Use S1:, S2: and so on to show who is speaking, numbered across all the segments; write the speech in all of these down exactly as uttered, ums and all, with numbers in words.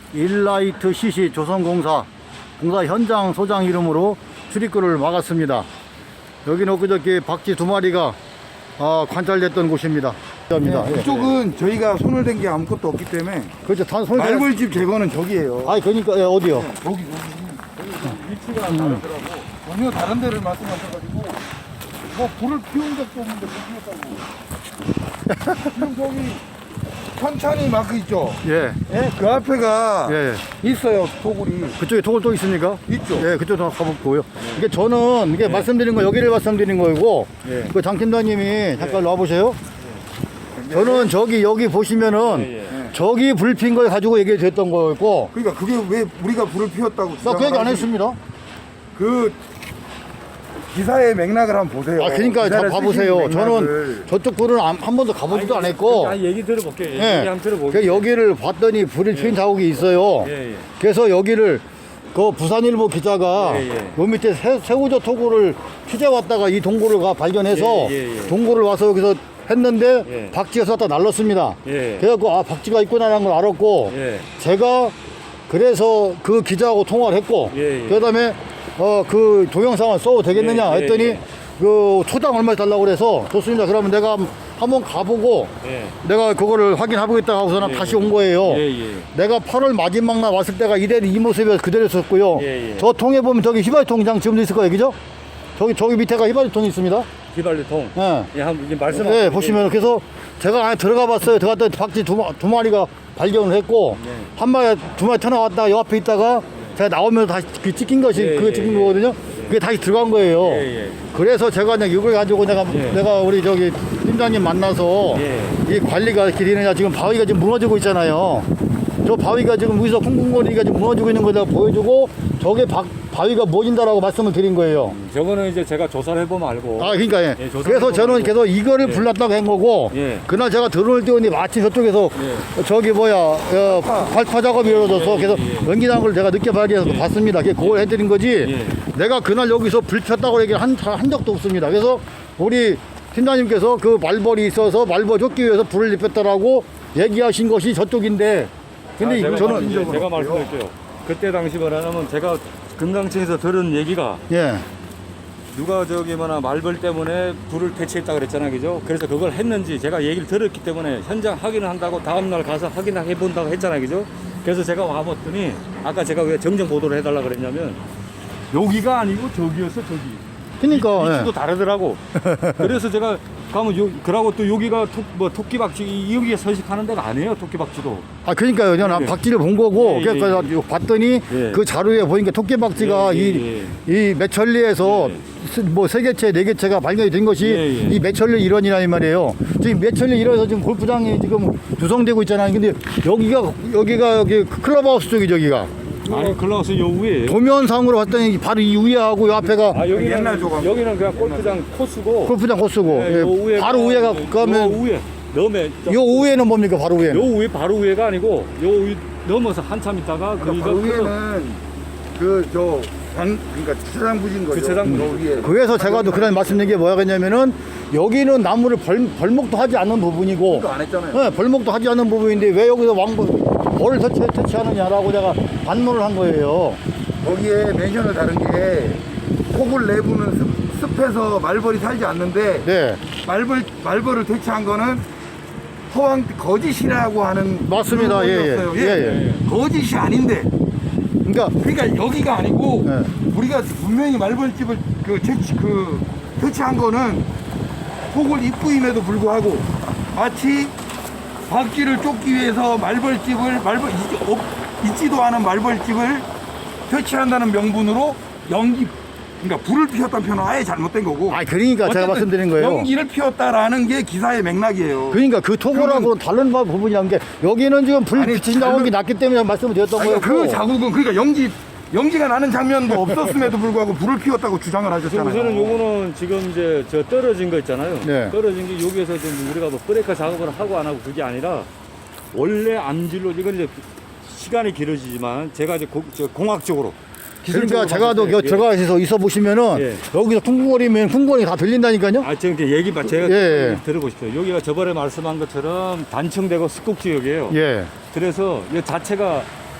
S1: 일라이트 씨씨 조선공사 공사 현장 소장 이름으로 출입구를 막았습니다. 여기는 엊그저께 박쥐 두 마리가 아, 관찰됐던 곳입니다.
S2: 네, 그쪽은 저희가 손을 댄 게 아무것도 없기 때문에
S1: 그렇죠. 단 손.
S2: 말벌집 제거는 저기예요.
S1: 아니 그러니까 예, 어디요?
S2: 네, 여기 여기 위치가 다르더라고. 전혀 다른 데를 말씀하셔가지고 뭐 불을 피운 적도 없는데 불 피웠다고. 지금 저기 천천히 마크 있죠?
S1: 예.
S2: 예? 그 앞에가
S1: 예.
S2: 있어요, 토굴이.
S1: 그쪽에 토굴 또 있습니까?
S2: 있죠.
S1: 예, 그쪽도 가보고요. 이게 저는 이게 말씀드린 거 여기를 말씀드린 거고,
S2: 예.
S1: 그 장 팀장님이 잠깐 와보세요. 저는 저기 여기 보시면은 저기 불 핀 걸 가지고 얘기됐던 거였고,
S2: 그러니까 그게 왜 우리가 불을 피웠다고
S1: 나 그 얘기 안
S2: 주장을
S1: 했습니다.
S2: 그 기사의 맥락을 한번 보세요.
S1: 아, 그러니까 자
S2: 기사를
S1: 봐보세요.
S2: 쓰신
S1: 저는
S2: 맥락을.
S1: 저쪽 불은 안- 한 번도 가보지도 안 했고,
S3: 아, 얘기 들어볼게요. 얘기
S1: 예.
S3: 한번 들어볼게요.
S1: 그래서 여기를 봤더니 불이 핀 자국이 있어요.
S3: 예, 예.
S1: 그래서 여기를 그 부산일보 기자가
S3: 예, 예.
S1: 요 밑에 새, 새우젓 토굴을 취재 왔다가 이 동굴을 가 발견해서
S3: 예, 예, 예.
S1: 동굴을 와서 여기서 했는데
S3: 예.
S1: 박쥐가 쏟다 날랐습니다.
S3: 예.
S1: 그래갖고 아 박쥐가 있구나라는 걸 알았고
S3: 예.
S1: 제가 그래서 그 기자하고 통화를 했고
S3: 예, 예.
S1: 그다음에 어 그 동영상을 써도 되겠느냐
S3: 예, 예,
S1: 했더니
S3: 예.
S1: 그 초당 얼마 달라고 그래서 좋습니다. 그러면 내가 한번 가보고
S3: 예.
S1: 내가 그거를 확인해보겠다 하고서는
S3: 예,
S1: 다시 온 거예요.
S3: 예, 예.
S1: 내가 팔월 마지막 날 왔을 때가 이대로 이 모습이어서 그대로였었고요.
S3: 예, 예.
S1: 저 통에 보면 저기 휘발유통장 지금도 있을 거예요, 그죠? 저기 저기 밑에가 휘발유통이 있습니다.
S3: 휘발유통.
S1: 예.
S3: 예, 한번 이제 말씀.
S1: 네, 보시면 그래서 제가 안에 들어가 봤어요. 들어갔더니 박쥐 두, 마- 두 마리가 발견을 했고
S3: 네.
S1: 한 마리 두 마리 튀어나왔다가 요 앞에 있다가 제가 나오면서 다시 그 찍힌 것이
S3: 예,
S1: 그게
S3: 예,
S1: 찍힌
S3: 예.
S1: 거거든요. 그게 다시 들어간 거예요.
S3: 예, 예.
S1: 그래서 제가 그냥 이걸 가지고 내가
S3: 예.
S1: 내가 우리 저기 팀장님 만나서
S3: 예.
S1: 이 관리가 이렇게 되느냐 지금 바위가 지금 무너지고 있잖아요. 저 바위가 지금 여기서 쿵쿵거리가 지금 무너지고 있는 걸 내가 보여주고 저게 바, 바위가 무너진다라고 말씀을 드린 거예요.
S3: 저거는 이제 제가 조사를 해보면 알고.
S1: 아, 그러니까 예.
S3: 예, 조사를
S1: 그래서 저는
S3: 해보고.
S1: 계속 이거를
S3: 예.
S1: 불났다고 한 거고
S3: 예.
S1: 그날 제가 드론을 띄웠는데 마침 저쪽에서
S3: 예.
S1: 저기 뭐야 어, 발파 작업이 이루어져서
S3: 예,
S1: 그래서
S3: 예.
S1: 연기난 걸 제가 늦게 발견해서
S3: 예.
S1: 봤습니다. 그게 그걸 해드린 거지
S3: 예.
S1: 내가 그날 여기서 불 폈다고 얘기를 한, 한 적도 없습니다. 그래서 우리 팀장님께서 그 말벌이 있어서 말벌 쫓기 위해서 불을 입혔다라고 얘기하신 것이 저쪽인데 근데
S3: 아,
S1: 이거
S3: 제가
S1: 저는
S3: 말-
S1: 이제
S3: 제가 말씀드릴게요. 그때 당시 말하면 제가 금강층에서 들은 얘기가
S1: 예.
S3: 누가 저기 뭐나 말벌 때문에 불을 퇴치했다 그랬잖아요, 그죠? 그래서 그걸 했는지 제가 얘기를 들었기 때문에 현장 확인을 한다고 다음 날 가서 확인해 본다고 했잖아요, 그죠? 그래서 제가 와봤더니 아까 제가 왜 정정 보도를 해달라 그랬냐면 여기가 아니고 저기였어, 저기.
S1: 그러니까
S3: 위치도
S1: 예.
S3: 다르더라고. 그래서 제가 가면 요 그러고 또 여기가 토, 뭐 토끼박쥐 이- 여기에 서식하는 데가 아니에요, 토끼박쥐도.
S1: 아 그러니까요. 저는
S3: 예.
S1: 박쥐를 본 거고
S3: 예,
S1: 그래서
S3: 예,
S1: 봤더니
S3: 예.
S1: 그 자료에 보니까 토끼박쥐가
S3: 예, 예,
S1: 이, 이 매천리에서 스- 뭐 세 개체 네 개체가 발견이 된 것이
S3: 예, 예.
S1: 이 매천리 일원이라 이 말이에요. 지금 매천리 일원에서 지금 골프장이 지금 구성되고 있잖아요. 근데 여기가 여기가 여기 클럽하우스 쪽이 저기가
S3: 아니 클라우스 요 위에.
S1: 도면상으로 봤더니 바로 이 위에 하고 요 앞에가
S3: 아 여기는
S2: 옛날 조각.
S3: 여기는 그냥 골프장 코스고.
S1: 골프장 코스고
S3: 네,
S1: 예,
S3: 요 위에가-
S1: 바로 위에가
S3: 요
S1: 그러면
S3: 위에 넘에
S1: 요 위에는 뭡니까 바로 위에는?
S3: 요 위에 바로 위에가 아니고 요 위 넘어서 한참 있다가
S2: 그러니까
S3: 거기가
S2: 바로
S3: 클럽-
S2: 위에는 그저 그러니까 주차장 부진 거죠.
S3: 주차장
S2: 그 위에.
S1: 그래서 제가 또 그런 말씀드린 게 뭐냐면은 여기는 나무를 벌, 벌목도 하지 않는 부분이고
S2: 그거 안 했잖아요.
S1: 네, 벌목도 하지 않는 부분인데 왜 여기서 왕벌 벌을 터치, 터치하느냐라고 제가 반문을 한 거예요.
S2: 거기에 멘션을 다른 게 토굴 내부는 습, 습해서 말벌이 살지 않는데
S1: 네,
S2: 말벌 말벌을 퇴치한 거는 토왕 거짓이라고 하는
S1: 맞습니다. 예, 예.
S2: 그거였어요.
S1: 예, 예.
S2: 거짓이 아닌데
S1: 그러니까
S2: 그러니까 여기가 아니고
S1: 네.
S2: 우리가 분명히 말벌집을 그 퇴치 그 퇴치한 거는 토굴 입구임에도 불구하고 마치 박쥐를 쫓기 위해서 말벌집을 말벌 있, 없, 있지도 않은 말벌집을 퇴치한다는 명분으로 연기 그러니까 불을 피웠다는 표현은 아예 잘못된 거고.
S1: 아 그러니까 제가
S2: 어쨌든
S1: 말씀드린 거예요.
S2: 연기를 피웠다라는 게 기사의 맥락이에요.
S1: 그러니까 그 토굴하고 다른 부분이란 게 여기는 지금 불
S2: 아니,
S1: 비친 자국이
S2: 다른-
S1: 났기 때문에 말씀을 드렸던
S2: 아니,
S1: 거예요.
S2: 그 자국은 그러니까 연기 연기가 나는 장면도 없었음에도 불구하고 불을 피웠다고 주장을 하셨잖아요.
S3: 우선은 요거는 지금 이제 저 떨어진 거 있잖아요.
S1: 네.
S3: 떨어진 게 여기에서 좀 우리가 뭐 브레이크 작업을 하고 안 하고 그게 아니라 원래 암질로 이건 이제 시간이 길어지지만 제가 이제 고, 저 공학적으로
S1: 그러니까
S3: 기술적으로
S1: 제가 또
S3: 봤을 때,
S1: 들어가서 있어 보시면은
S3: 예.
S1: 여기서 쿵쿵거리면 쿵쿵거리 다 들린다니까요.
S3: 아, 지금 이제 얘기 봐. 제가
S1: 예, 예.
S3: 들어보십시오. 여기가 저번에 말씀한 것처럼 단층되고 습곡지역이에요.
S1: 예.
S3: 그래서 이 자체가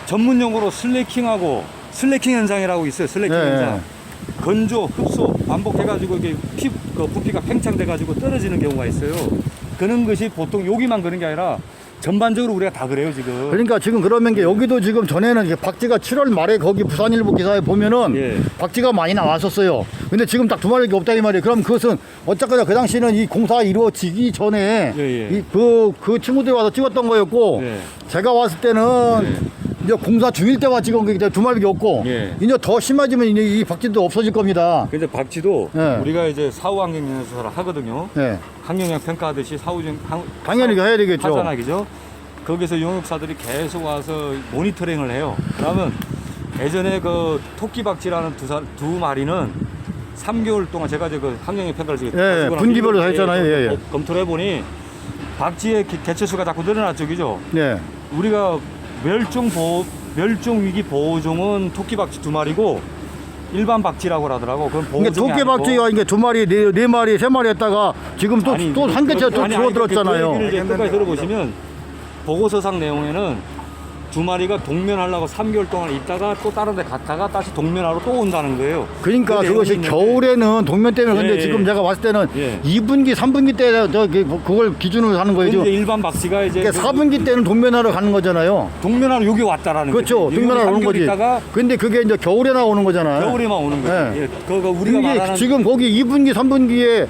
S3: 전문 용어로 슬래킹하고 슬래킹 현상이라고 있어요. 슬래킹
S1: 네.
S3: 현상. 건조, 흡수, 반복해가지고 이게 피, 그 부피가 팽창돼가지고 떨어지는 경우가 있어요. 그런 것이 보통 여기만 그런 게 아니라 전반적으로 우리가 다 그래요 지금.
S1: 그러니까 지금 그러면 게 여기도 지금 전에는 이게 박쥐가 칠월 말에 거기 부산일보 기사에 보면은
S3: 예.
S1: 박쥐가 많이 나왔었어요. 근데 지금 딱 두 마리밖에 없다 이 말이에요. 그럼 그것은 어쨌거나 그 당시는 이 공사가 이루어지기 전에
S3: 예, 예.
S1: 이 그 그 친구들이 와서 찍었던 거였고
S3: 예.
S1: 제가 왔을 때는 이제 공사 중일 때와 찍은 게 이제 두 마리밖에 없고
S3: 예.
S1: 이제 더 심해지면 이제 이 박쥐도 없어질 겁니다.
S3: 근데 박쥐도
S1: 예.
S3: 우리가 이제 사후환경연수를 하거든요.
S1: 예.
S3: 환경영 평가하듯이 사후중
S1: 당연히 해야 되겠죠.
S3: 하잖아, 그죠? 거기서 용역사들이 계속 와서 모니터링을 해요. 그러면 예전에 그 토끼박쥐라는 두, 사, 두 마리는 삼 개월 동안 제가 이제 그 환경영 평가를 지금
S1: 예,
S3: 가지고
S1: 분기별로
S3: 나서
S1: 했잖아요. 예, 예.
S3: 검- 검토를 해보니 박쥐의 개- 개체수가 자꾸 늘어났죠, 그죠?
S1: 네.
S3: 우리가 멸종 보호, 멸종 위기 보호종은 토끼박쥐 두 마리고 일반 박쥐라고 하더라고. 그건
S1: 그러니까
S3: 보호종이
S1: 토끼박쥐가 이게 두 마리, 네, 네 마리, 세 마리 했다가 지금 또
S3: 아니,
S1: 또 한
S3: 그-
S1: 개째 또
S3: 아니, 아니,
S1: 줄어들었잖아요.
S3: 그 얘기를 이제 끝까지 들어보시면 보고서상 내용에는 두 마리가 동면하려고 삼 개월 동안 있다가 또 다른 데 갔다가 다시 동면하러 또 온다는 거예요.
S1: 그러니까
S3: 그
S1: 그것이
S3: 내용이 있는데
S1: 겨울에는 동면 때문에 근데
S3: 예,
S1: 지금
S3: 예.
S1: 제가 봤을 때는
S3: 예.
S1: 이 분기, 삼 분기 때 저 그걸 기준으로 하는 거예요.
S3: 근데
S1: 지금
S3: 일반 박쥐가 이제
S1: 그러니까 사 분기 때는 동면하러 가는 거잖아요.
S3: 동면하러 여기 왔다라는
S1: 그렇죠.
S3: 거지.
S1: 동면하러
S3: 여기
S1: 오는
S3: 삼 개월
S1: 거지.
S3: 있다가
S1: 근데 그게 이제 겨울에 나오는 거잖아요.
S3: 겨울에만 오는 거지.
S1: 예.
S3: 예. 그거 우리가
S1: 이게
S3: 말하는
S1: 지금 거기 이 분기, 삼 분기에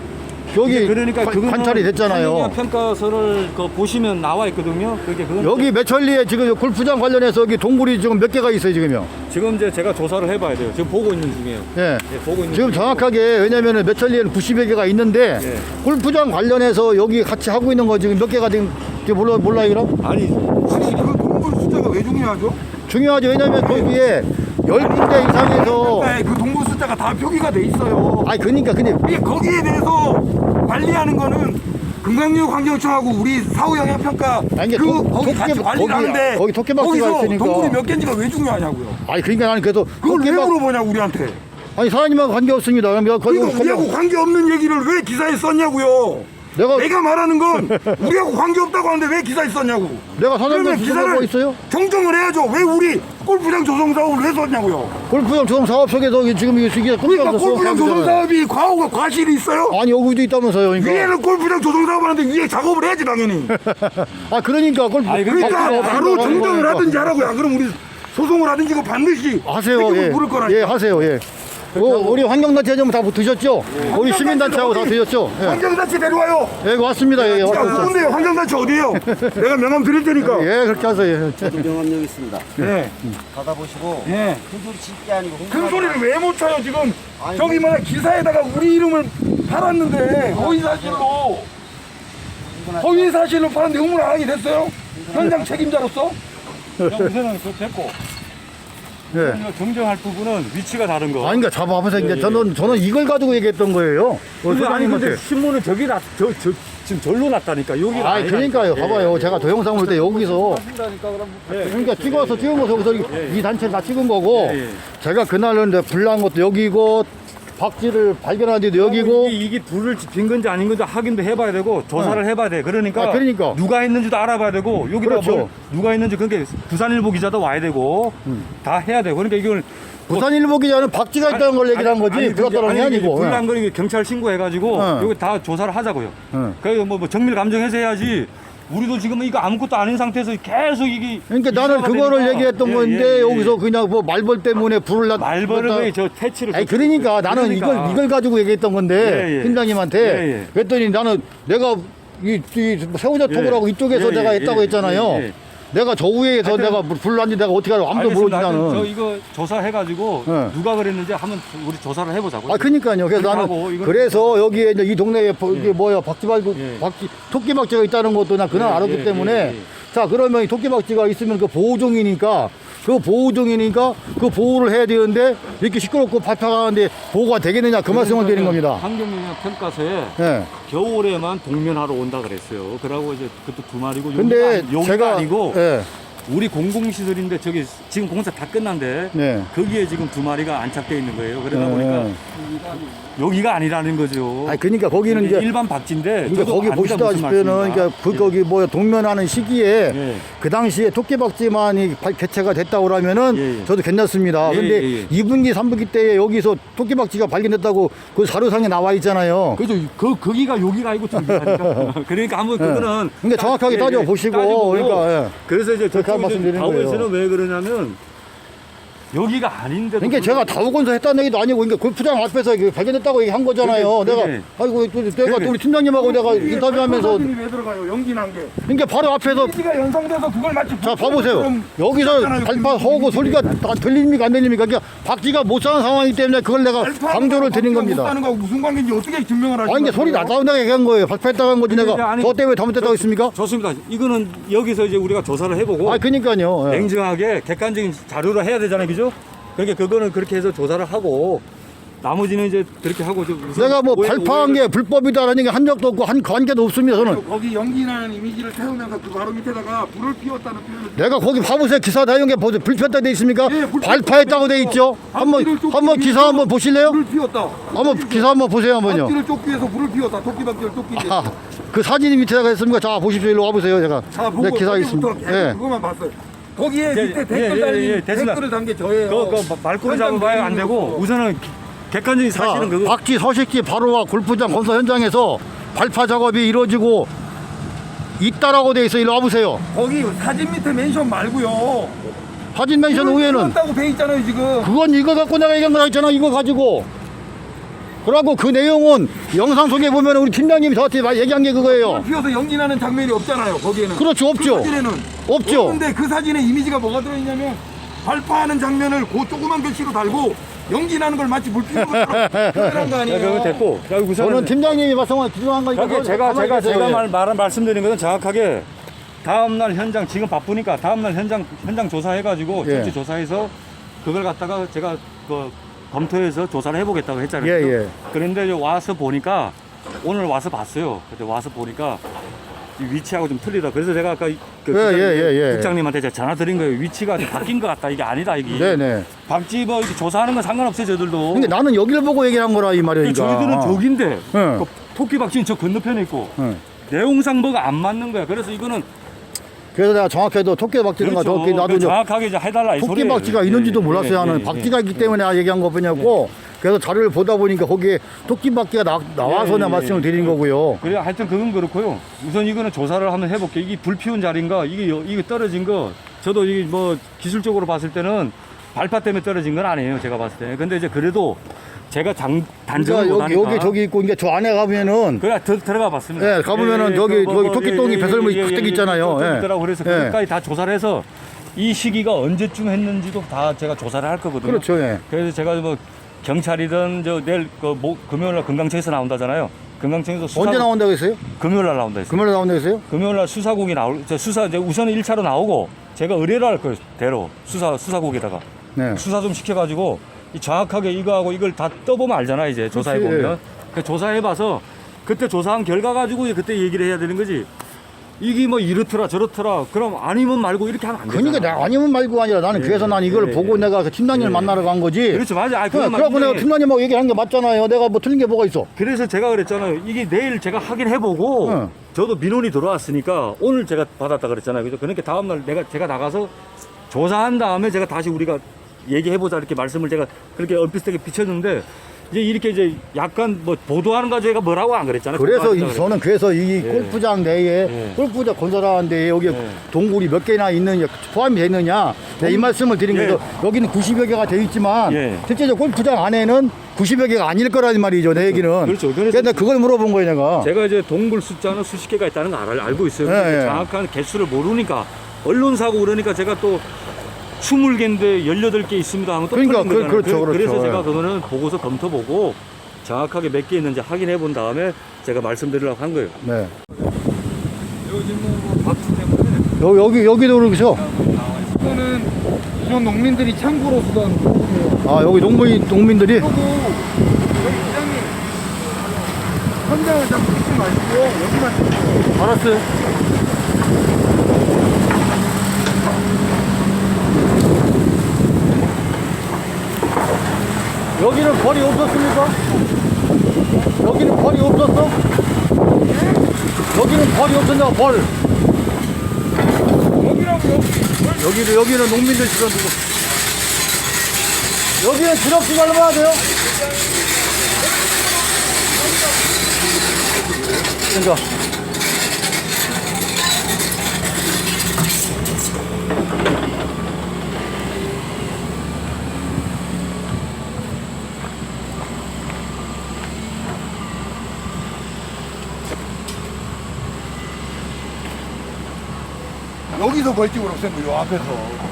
S1: 여기
S3: 이제 그러니까
S1: 관-
S3: 그거는
S1: 관찰이 됐잖아요.
S3: 환경영 평가서를 그 보시면 나와 있거든요. 그게 그건
S1: 여기 매천리에 지금 골프장 관련해서 여기 동굴이 지금 몇 개가 있어요, 지금요.
S3: 지금 이제 제가 조사를 해봐야 돼요. 지금 보고 있는 중이에요.
S1: 예.
S3: 예, 보고 있는
S1: 지금
S3: 중이고.
S1: 정확하게 왜냐면은 매천리에는 구십여 개가 있는데
S3: 예.
S1: 골프장 관련해서 여기 같이 하고 있는 거 지금 몇 개가 지금 지금 몰라 몰라요, 그럼?
S3: 아니
S2: 아니 그 동굴 숫자가 왜 중요하죠?
S1: 중요하죠. 왜냐면 거기에 열 군데 이상에서
S2: 네, 그 동굴 숫자가 다 표기가 돼 있어요.
S1: 아니 그러니까 근데
S2: 이게 거기에 대해서 관리하는 거는 금강육환경청하고 우리 사후영향평가
S1: 아니, 이게
S2: 그
S1: 도-
S2: 거기
S1: 토끼-
S2: 같이 관리를
S1: 거기-
S2: 하는데
S1: 거기 토끼박쥐가
S2: 거기서
S1: 있으니까.
S2: 동굴이 몇 개인지가 왜 중요하냐고요.
S1: 아니 그러니까 나는 그래서
S2: 그걸 왜
S1: 토끼박
S2: 물어보냐고 우리한테.
S1: 아니 사장님하고 관계 없습니다. 그럼 내가 거기
S2: 그러니까 우리하고 관계없는 얘기를 왜 기사에 썼냐고요.
S1: 내가
S2: 내가 말하는 건 우리하고 관계없다고 하는데 왜 기사에 썼냐고.
S1: 내가 사장님
S2: 그러면
S1: 기사를 뭐 있어요?
S2: 정정을 해야죠. 왜 우리 골프장 조성 사업을 왜 썼냐고요.
S1: 골프장 조성 사업 속에서 지금 이게 이게
S2: 그러니까
S1: 골프장
S2: 골프장 조성 사업이 과오가 과실이 있어요.
S1: 아니 여기도 있다면서요. 그러니까
S2: 위에는 골프장 조성 사업 하는데 위에 작업을 해야지 당연히.
S1: 아 그러니까 골프
S3: 아니,
S2: 그러니까
S1: 박쥐가
S2: 바로
S1: 없는
S2: 정정을
S1: 거니까.
S2: 하든지 하라고요. 안 그럼 우리 소송을 하든지 이거 반드시
S1: 하세요.
S2: 책임을
S1: 예.
S2: 물을 거라니까.
S1: 예, 하세요. 예. 어, 우리 환경단체 좀 다 드셨죠? 우리 시민단체하고 다 드셨죠? 예.
S2: 환경단체 데려와요.
S1: 예, 왔습니다. 예,
S2: 야,
S1: 왔습니다.
S2: 누군데요? 환경단체 어디에요? 내가 명함 드릴 테니까.
S1: 예, 그렇게 하세요. 예.
S4: 명함 있습니다.
S2: 예.
S4: 받아보시고
S2: 예.
S4: 큰 소리 칠 게 아니고
S2: 큰 소리를 왜 못 쳐요 지금?
S4: 아니,
S2: 저기 뭐야 기사에다가 우리 이름을 팔았는데 허위 사실로 허위 사실로 팔았는데 의문 안 하게 됐어요? 현장 책임자로서?
S3: 우선은 그 됐고
S1: 예.
S3: 이거 정정할 부분은 위치가 다른 거.
S1: 아니, 그러니까 잡아보세요. 이제
S3: 예,
S1: 저는, 저는 이걸 가지고 얘기했던 거예요. 어,
S3: 근데 아니 근데
S1: 소장님한테.
S3: 신문을 저기 놨, 저, 저, 지금 절로 놨다니까 여기.
S1: 아니, 그러니까요. 봐봐요. 제가 동영상 볼 때 여기서.
S3: 한다니까 그럼.
S1: 그러니까 찍어서 찍은 거 여기서 이-
S3: 예, 예.
S1: 이 단체를 다 찍은 거고.
S3: 예, 예.
S1: 제가 그날은 이제 불난 것도 여기고, 박쥐를 발견한 데도 여기고.
S3: 이게, 이게 불을 빈 건지 아닌 건지 확인도 해봐야 되고 조사를 해봐야 돼. 그러니까,
S1: 아, 그러니까.
S3: 누가 했는지도 알아봐야 되고 여기다
S1: 그렇죠.
S3: 뭘 누가 했는지 그게 부산일보 기자도 와야 되고 다 해야 되고 그러니까 이걸
S1: 부산일보 기자는 박쥐가 있다는 걸 얘기를 한 거지. 불났다는 게 아니고.
S3: 불난 거 경찰 신고해가지고
S1: 어.
S3: 여기 다 조사를 하자고요.
S1: 어.
S3: 그래서 뭐, 뭐 정밀 감정해서 해야지. 우리도 지금 이거 아무것도 아닌 상태에서 계속 이게
S1: 그러니까 나는
S3: 이슈가
S1: 그거를
S3: 되니까.
S1: 얘기했던
S3: 예,
S1: 건데
S3: 예, 예.
S1: 여기서 그냥 뭐 말벌 때문에 불을 났
S3: 말벌을
S1: 났다.
S3: 왜 저 퇴치를
S1: 아니 그러니까 나는
S3: 그러니까.
S1: 이걸 이걸 가지고 얘기했던 건데
S3: 예, 예.
S1: 팀장님한테
S3: 예, 예.
S1: 그랬더니 나는 내가 이, 이 새우젓
S3: 예.
S1: 토굴하고 이쪽에서
S3: 예,
S1: 내가
S3: 예,
S1: 했다고
S3: 예,
S1: 했잖아요.
S3: 예, 예.
S1: 내가 저 위에서
S3: 하여튼-
S1: 내가 불 났는지 내가 어떻게 알아? 아무도 모르지
S3: 알겠습니다. 하여튼 저
S1: 나는.
S3: 이거 조사해가지고
S1: 예.
S3: 누가 그랬는지 한번 우리 조사를 해보자고요.
S1: 아 그러니까요. 그래서
S3: 하고
S1: 나는
S3: 이건-
S1: 그래서 여기에 이제 이 동네에 버- 이게 뭐야 박쥐발고
S3: 예.
S1: 박쥐 토끼박쥐가 있다는 것도 나 그날
S3: 예,
S1: 알았기
S3: 예,
S1: 때문에
S3: 예, 예.
S1: 자 그러면 이 토끼박쥐가 있으면 그 보호종이니까 그 보호종이니까 그 보호를 해야 되는데 이렇게 시끄럽고 발표하는데 보호가 되겠느냐 그 말씀을 드리는 겁니다.
S3: 환경영향 평가서에
S1: 예.
S3: 겨울에만 동면하러 온다 그랬어요. 그러고 이제 그것도 두 마리고
S1: 근데
S3: 여기가, 여기가
S1: 제가
S3: 아니고
S1: 예.
S3: 우리 공공시설인데 저기 지금 공사 다 끝난데
S1: 네.
S3: 거기에 지금 두 마리가 안착되어 있는 거예요. 그러다
S1: 네.
S3: 보니까 여기가 아니라는 거죠.
S1: 아니 그러니까 거기는 이제
S3: 일반 박쥐인데
S1: 그러니까
S3: 저도
S1: 거기
S3: 압니다, 무슨
S1: 보시다시피는
S3: 말씀인가.
S1: 그러니까 그
S3: 예.
S1: 거기 뭐 동면하는 시기에
S3: 예.
S1: 그 당시에 토끼박쥐만이 발- 개체가 됐다고 그러면은
S3: 예, 예.
S1: 저도 괜찮습니다.
S3: 예,
S1: 근데
S3: 예, 예.
S1: 이 분기 삼 분기 때에 여기서 토끼박쥐가 발견됐다고 그 자료상에 나와 있잖아요.
S3: 그죠. 그 거기가 여기가 아니고 저기가 그러니까 한번 그거는
S1: 그러니까 정확하게
S3: 따- 예, 예,
S1: 따져보시고,
S3: 따져보고.
S1: 그러니까, 예.
S3: 그래서 이제
S1: 그렇게
S3: 저쪽
S1: 말씀드리는
S3: 다오에서는
S1: 거예요.
S3: 왜 그러냐면 여기가 아닌데도
S1: 그러니까 제가 다우건서 했다는 얘기도 아니고 그러니까 골프장 앞에서 이게 발견됐다고 얘기한 거잖아요.
S3: 그게-
S1: 내가
S3: 그게-
S1: 아이고 또 내가
S3: 그게-
S1: 또 우리 팀장님하고 내가 인터뷰하면서
S2: 사진이 왜 들어가요? 연기 난 게.
S1: 그러니까 바로 앞에서
S2: 이미지가 연상돼서 그걸 마치
S1: 자 봐보세요.
S2: 그럼
S1: 여기서
S2: 있잖아요.
S1: 발파하고 소리가 다 들립니까 안 들립니까? 그러니까 박쥐가 못 사는 상황이기 때문에 그걸 내가
S2: 발파하는
S1: 강조를
S2: 거하고
S1: 드린
S2: 못
S1: 겁니다.
S2: 사는 거하고 무슨 관계인지 어떻게 증명을 하시는
S1: 아니 이게 소리 나다운다고 얘기한 거예요. 발파했다고 한 거지
S3: 근데
S1: 내가
S3: 아니,
S1: 저 때문에 잘못됐다고 했습니까?
S3: 좋습니다. 이거는 여기서 이제 우리가 조사를 해보고
S1: 아 그러니까요. 예.
S3: 냉정하게 객관적인 자료로 해야 되잖아요, 그죠? 그러니까 그거는 그렇게 해서 조사를 하고 나머지는 이제 그렇게 하고 좀 우선
S1: 내가 뭐
S3: 오해-
S1: 발파한
S3: 오해를-
S1: 게 불법이다라는 게 한 적도 없고 한 관계도 없습니다. 저는
S2: 거기 연기 나는 이미지를 세우면서 그 바로 밑에다가 불을 피웠다는 표현을
S1: 내가 거기 봐보세요. 기사 내용에 보세요. 불폈다 돼 있습니까?
S2: 예, 불-
S1: 발파했다고 돼 있죠. 한번
S2: 박쥐를 쫓기
S1: 한번 기사
S2: 위해서
S1: 한번 보실래요?
S2: 불을 피웠다.
S1: 한번 기사 한번 보세요 한번요.
S2: 박쥐를 쫓기 위해서 불을 피웠다. 토끼박쥐를 쫓기 위해서.
S1: 아, 그 사진이 밑에다가 했습니까? 자 보십시오. 일로 와보세요. 제가
S2: 자, 보고
S1: 네, 기사 있습니다.
S2: 거기부터 계속
S1: 예.
S2: 그것만 봤어요. 거기에
S3: 예,
S2: 밑에
S3: 예,
S2: 댓글
S3: 예,
S2: 달린
S3: 예, 예, 됐습니다.
S2: 댓글을 단 게 저예요.
S3: 그, 그 말꼬리 잡아봐야 안 되고 우선은 기- 객관적인
S1: 자,
S3: 사실은 그거
S1: 박쥐 서식지 바로와 골프장 건설 현장에서 발파 작업이 이루어지고 있다라고 돼 있어. 일로 와보세요.
S2: 거기 사진 밑에 멘션 말고요.
S1: 사진 멘션 후에는
S2: 다고 돼 있잖아요 지금.
S1: 그건 이거 갖고 내가 얘기한 거 있잖아. 이거 가지고. 그러고 그 내용은 영상 속에 보면 우리 팀장님이 저한테 말- 얘기한 게 그거예요.
S2: 불 피워서 연기 나는 장면이 없잖아요 거기에는.
S1: 그렇죠, 없죠.
S2: 그 사진에는
S1: 없죠.
S2: 없는데 그 사진에 이미지가 뭐가 들어있냐면 발파하는 장면을 그 조그만 글씨로 달고 연기 나는 걸 마치 물 피우는 것처럼 표현한 거
S3: 야,
S2: 아니에요.
S3: 그거 됐고 자, 우선은
S1: 저는 팀장님이 말씀한 기중한 거니까.
S3: 그러니까
S1: 그거
S3: 제가
S1: 가만히
S3: 제가
S1: 계세요.
S3: 제가
S1: 예.
S3: 말, 말 말씀드린 것은 정확하게 다음 날 현장 지금 바쁘니까 다음 날 현장 현장 조사해가지고
S1: 예.
S3: 실제 조사해서 그걸 갖다가 제가 그 검토해서 조사를 해보겠다고 했잖아요.
S1: 예, 예.
S3: 그런데 이제 와서 보니까 오늘 와서 봤어요. 근데 와서 보니까 이 위치하고 좀 틀리다. 그래서 제가 아까 이- 그
S1: 예,
S3: 국장,
S1: 예, 예, 예.
S3: 국장님한테 제가 전화 드린 거예요. 위치가 좀 바뀐 것 같다. 이게 아니다. 이게
S1: 네네.
S3: 박쥐 뭐 이렇게 조사하는 건 상관없어요. 저들도.
S1: 근데 나는 여기를 보고 얘기한 거라 이 말이니까.
S3: 저희들은 저긴데
S1: 예.
S3: 그 토끼 박쥐는 저 건너편에 있고
S1: 예.
S3: 내용상 뭐가 안 맞는 거야. 그래서 이거는
S1: 그래서 내가 정확히도 토끼박쥐가
S3: 그렇죠.
S1: 저기 나도
S3: 그
S1: 이제
S3: 정확하게 이제 해달라 이 소리예요.
S1: 토끼박쥐가
S3: 예,
S1: 있는지도
S3: 예,
S1: 몰랐어요.
S3: 예,
S1: 나는
S3: 예,
S1: 박쥐가
S3: 예.
S1: 있기 때문에 내가 얘기한 거뿐이었고 그래서 자료를 보다 보니까 거기에 토끼박쥐가 나, 나와서
S3: 예,
S1: 내가
S3: 예,
S1: 말씀을
S3: 예.
S1: 드린 거고요.
S3: 그래 하여튼 그건 그렇고요. 우선 이거는 조사를 한번 해볼게요. 이게 불 피운 자리인가 이게 여- 이게 떨어진 거 저도 이게 뭐 기술적으로 봤을 때는 발파 때문에 떨어진 건 아니에요. 제가 봤을 때. 근데 이제 그래도 제가 장 단정을
S1: 그러니까 여기,
S3: 못하니까
S1: 여기 저기 있고 이게 저 안에 가면은
S3: 그래 들, 들어가 봤습니다.
S1: 예, 가보면은 저기- 저기 토끼똥이 배설물이 가득 있잖아요.
S3: 좀
S1: 예.
S3: 있더라고. 그래서
S1: 예.
S3: 그것까지 다 조사를 해서 이 시기가 언제쯤 했는지도 다 제가 조사를 할 거거든요.
S1: 그렇죠. 예.
S3: 그래서 제가 뭐 경찰이든 저 내일 그 모, 금요일 날 금강청에서 나온다잖아요. 금강청에서 수사
S1: 언제 나온다고 했어요?
S3: 금요일 날 나온다 했어요.
S1: 금요일에 나온다고 했어요?
S3: 금요일 날 수사국이 나올 저 수사 이제 우선은 일 차로 나오고 제가 의뢰를 할 거예요. 대로 수사 수사국에다가
S1: 네.
S3: 수사 좀 시켜가지고 이 정확하게 이거하고 이걸 다 떠보면 알잖아 이제 조사해 보면. 그 조사해봐서 그때 조사한 결과 가지고 이제 그때 얘기를 해야 되는 거지. 이게 뭐 이렇더라 저렇더라 그럼 아니면 말고 이렇게 하면 안 되잖아.
S1: 그러니까 내가 아니면 말고 아니라 나는
S3: 예,
S1: 그래서 난 이걸
S3: 예,
S1: 보고
S3: 예.
S1: 내가 그 팀장님을
S3: 예.
S1: 만나러 간 거지.
S3: 그렇죠 맞아. 아,
S1: 그래,
S3: 그건
S1: 그래갖고 내가
S3: 인정해.
S1: 팀장님하고 얘기한 게 맞잖아요. 내가 뭐 틀린 게 뭐가 있어?
S3: 그래서 제가 그랬잖아요. 이게 내일 제가 확인해보고
S1: 응.
S3: 저도 민원이 들어왔으니까 오늘 제가 받았다 그랬잖아요. 그죠? 그러니까 다음날 내가 제가 나가서 조사한 다음에 제가 다시 우리가 얘기해보자 이렇게 말씀을 제가 그렇게 얼핏하게 비쳤는데 이제 이렇게 이제 약간 뭐 보도하는 거 제가 뭐라고 안 그랬잖아요.
S1: 그래서 이,
S3: 보도하자
S1: 저는 그래서 이
S3: 예.
S1: 골프장 내에
S3: 예.
S1: 골프장 건설하는 데에 여기
S3: 예.
S1: 동굴이 몇 개나 있느냐 포함이 되어 있느냐 네, 이 말씀을 드린
S3: 예.
S1: 거죠. 여기는 구십여 개가 되어 있지만
S3: 예.
S1: 실제로 골프장 안에는 구십여 개가 아닐 거라는 말이죠. 내 얘기는.
S3: 그렇죠. 그래서
S1: 그래서 그걸 물어본 거예요 내가.
S3: 제가 이제 동물 숫자는 수십 개가 있다는 걸 알, 알고 있어요.
S1: 예,
S3: 근데
S1: 예.
S3: 정확한 개수를 모르니까 언론사고 그러니까 제가 또 이십 개인데 열여덟 개 있습니다 하면 또
S1: 그러니까
S3: 틀린
S1: 그-
S3: 거잖아요.
S1: 그렇죠, 그렇죠.
S3: 그래서
S1: 예.
S3: 제가 그거는 보고서 검토 보고 정확하게 몇 개 있는지 확인해 본 다음에 제가 말씀드리려고 한 거예요.
S1: 네.
S2: 요즘 뭐 박쥐 때문에
S1: 여, 여기 여기도 그렇죠.
S2: 이거는 기존 농민들이 창고로 쓰던 부분이에요.
S1: 아 여기 농민 농민들이
S2: 그리고 여기 부장님 현장을 자꾸 찍지 마시고 여기만 찍고
S1: 알았어요. 여기는 벌이 없었습니까? 여기는 벌이 없었어? 여기는 벌이 없었냐, 벌.
S2: 여기라고
S1: 여기는, 여기는 농민들 지금 누구. 여기는 기록비가 얼마나 돼요? 그러니까.
S2: 여기서 벌집을 없앤 거요 앞에서.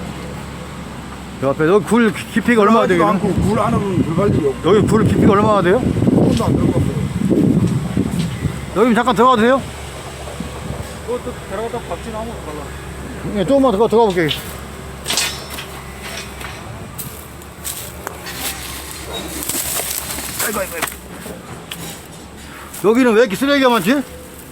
S1: 요 앞에 여기 굴 깊이가 얼마나 돼요?
S2: 않고 굴 안으로는 들어갈 일이 없고
S1: 여기 굴 깊이가 얼마나 돼요?
S2: 손도 안 들어갔어요.
S1: 여기 잠깐 들어가도 돼요?
S3: 그것도 들어가다 박쥐나무 달라.
S1: 예, 조금만 더 들어가 볼게요. 아이고, 아이고, 아이고. 여기는 왜 이렇게 쓰레기가 많지?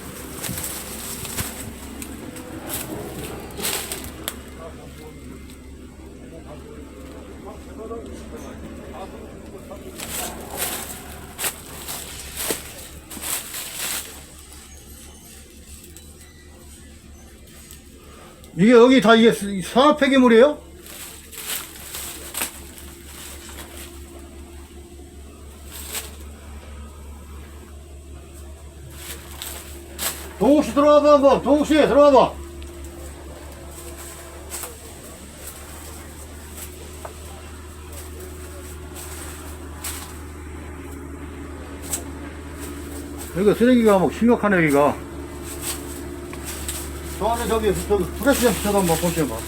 S1: 이게 여기 다 이게 산업 폐기물이에요? 동욱 씨 들어와봐 한번. 동욱 씨 들어와봐. 여기가 쓰레기가 막 심각하네 여기가. 저 안에 저기 저기 프레시 좀 붙여서 한번 볼게요. 봐.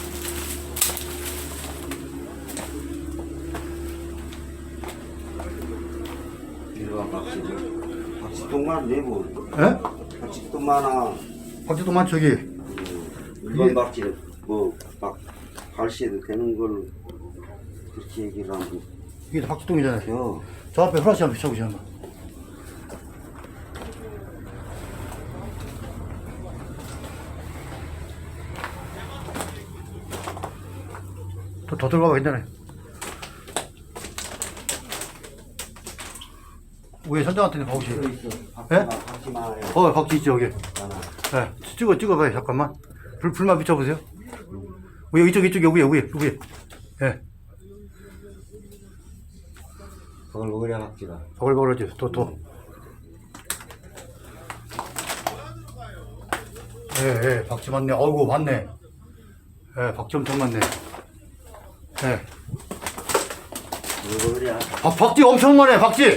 S4: 이리와 박쥐. 박쥐똥만 내고.
S1: 예?
S4: 박쥐똥 많아.
S1: 박쥐도 많죠 저기.
S4: 일반
S1: 이게-
S4: 박쥐 뭐막 발시해도 되는 걸 그렇게 얘기를 하고.
S1: 이게 다 박쥐똥이잖아요.
S4: 요
S1: 저 앞에 프레시 한번 붙여보시면 한번. 더, 더 들어가봐 괜찮아요. 위에 선장한테는 가보시죠.
S4: 또 있어.
S1: 예?
S4: 박쥐 박쥐 많아요.
S1: 어, 박쥐 있죠, 여기.
S4: 많아.
S1: 예, 찍어, 찍어봐요, 잠깐만. 불, 불만 비춰보세요. 위에, 이쪽, 이쪽에, 위에, 위에, 위에. 예,
S4: 그걸 먹으려 박쥐가.
S1: 버글버글하지, 또, 또. 예, 예, 박쥐 많네. 어이구, 많네. 예, 박쥐 엄청 많네. 예.
S4: 먹으려.
S1: 아, 박쥐 엄청 많네, 박쥐!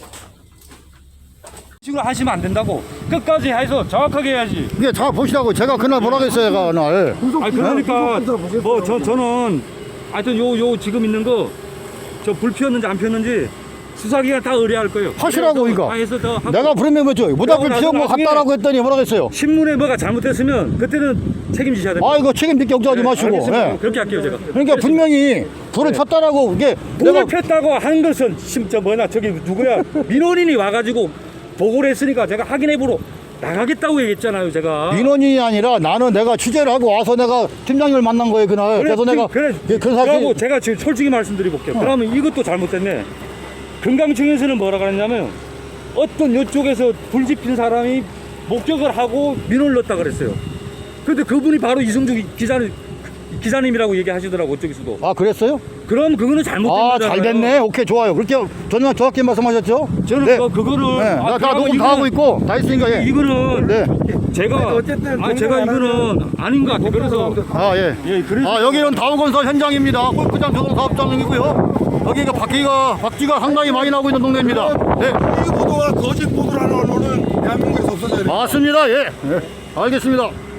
S3: 식으로 하시면 안 된다고. 끝까지 해서 정확하게 해야지.
S1: 이게 잘 보시라고. 제가 그날 뭐라고 했어요, 제가 그날.
S3: 아 그러니까 뭐 저 저는 하여튼 요 요 지금 있는 거 저 불 피웠는지 안 피웠는지 수사기관 다 의뢰할 거예요.
S1: 하시라고,
S3: 그래서
S1: 이거.
S3: 다 해서 더 하고.
S1: 내가 부르면 뭐죠? 모닥불
S3: 그러고
S1: 피운 거
S3: 나서 나중에-
S1: 같다라고 했더니 뭐라고 했어요?
S3: 신문에 뭐가 잘못됐으면 그때는 책임지셔야 됩니다.
S1: 아, 이거 책임 느끼 걱정하지
S3: 네,
S1: 마시고.
S3: 알겠습니다.
S1: 예.
S3: 그렇게 할게요 제가.
S1: 그러니까 분명히 불을 폈다라고 이게
S3: 불을
S1: 내가
S3: 폈다고 하는 것은 진짜 뭐냐 저기 누구야 민원인이 와가지고 보고를 했으니까 제가 확인해보러 나가겠다고 얘기했잖아요 제가.
S1: 민원인이 아니라 나는 내가 취재를 하고 와서 내가 팀장님을 만난 거예요 그날.
S3: 그래,
S1: 그래서 내가
S3: 그래,
S1: 예, 그
S3: 그러고
S1: 사실
S3: 제가 지금 솔직히 말씀드려볼게요. 그러면 이것도 잘못됐네. 금강청에서는 뭐라 그랬냐면 어떤 이쪽에서 불 지핀 사람이 목격을 하고 민원을 넣었다 그랬어요. 근데 그분이 바로 이승주 기자님, 기자님이라고 얘기하시더라고 저쪽에서도.
S1: 아 그랬어요?
S3: 그럼 그거는 잘못된
S1: 아
S3: 거잖아요.
S1: 잘 됐네. 오케이 좋아요. 그렇게 전혀 정확히 말씀하셨죠?
S3: 저는
S1: 네.
S3: 그, 그거를
S1: 네.
S3: 아,
S1: 나, 다
S3: 그러면
S1: 녹음 다
S3: 이거는-
S1: 하고 있고 다 했으니까 예.
S3: 이거는
S1: 네.
S3: 제가
S2: 어쨌든
S3: 아 제가 이거는 아닌 것 같아요. 그래서
S1: 아 예.
S3: 예 그래서
S1: 아 여기는 다우건설 현장입니다. 골프장 조성 사업장이고요. 여기가 박쥐가 박쥐가 상당히 많이 나고 있는 동네입니다. 네.
S2: 이 보도가 거짓 보도라는 언론은 대한민국에서 없어져야 돼.
S1: 맞습니다. 예. 예. 알겠습니다.